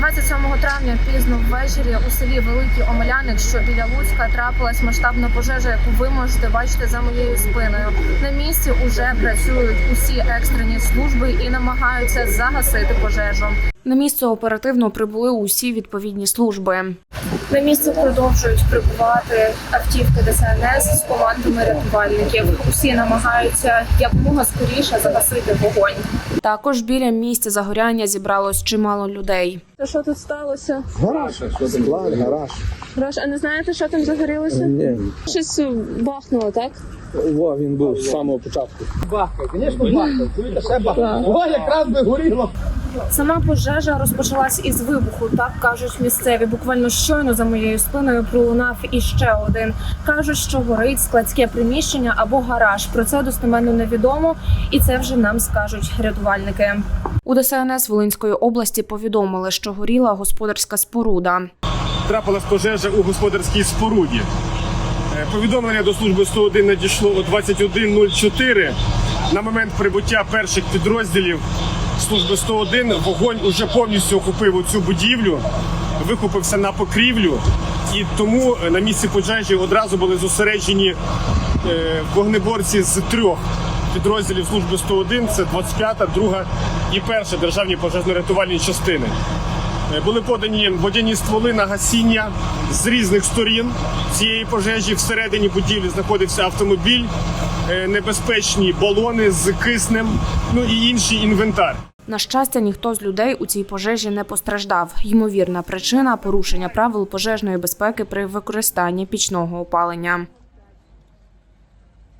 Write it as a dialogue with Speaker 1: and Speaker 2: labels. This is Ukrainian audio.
Speaker 1: 27 травня пізно ввечері у селі Великий Омеляник, що біля Луцька, трапилась масштабна пожежа, яку ви можете бачити за моєю спиною. На місці уже працюють усі екстрені служби і намагаються загасити пожежу.
Speaker 2: На місце оперативно прибули усі відповідні служби.
Speaker 1: На місце продовжують прибувати автівки ДСНС з командами рятувальників. Усі намагаються якомога скоріше загасити вогонь.
Speaker 2: Також біля місця загоряння зібралось чимало людей.
Speaker 1: Що тут сталося?
Speaker 3: Гараж, склад, гараж.
Speaker 1: Гараж, а не знаєте, що там загорілося?
Speaker 3: Ні.
Speaker 1: Щось бахнуло, так?
Speaker 3: Во, він був з самого початку. Бахкає, звісно, бахкає. Чуєте, ще бахкає. О, якраз би горіло.
Speaker 1: Сама пожежа розпочалась із вибуху, так кажуть місцеві. Буквально щойно за моєю спиною пролунав іще один. Кажуть, що горить складське приміщення або гараж. Про це достеменно невідомо, і це вже нам скажуть рятувальники.
Speaker 2: У ДСНС Волинської області повідомили, що горіла господарська споруда.
Speaker 4: Трапилась пожежа у господарській споруді. Повідомлення до служби 101 надійшло о 21:04. На момент прибуття перших підрозділів служби 101 вогонь уже повністю охопив цю будівлю, вихопився на покрівлю, і тому на місці пожежі одразу були зосереджені вогнеборці з 3 підрозділів служби 101, це 25-та, 2-га і 1-ша державні пожежно-рятувальні частини. Були подані водяні стволи на гасіння з різних сторін цієї пожежі. Всередині будівлі знаходився автомобіль, небезпечні балони з киснем, ну і інший інвентар.
Speaker 2: На щастя, ніхто з людей у цій пожежі не постраждав. Ймовірна причина – порушення правил пожежної безпеки при використанні пічного опалення.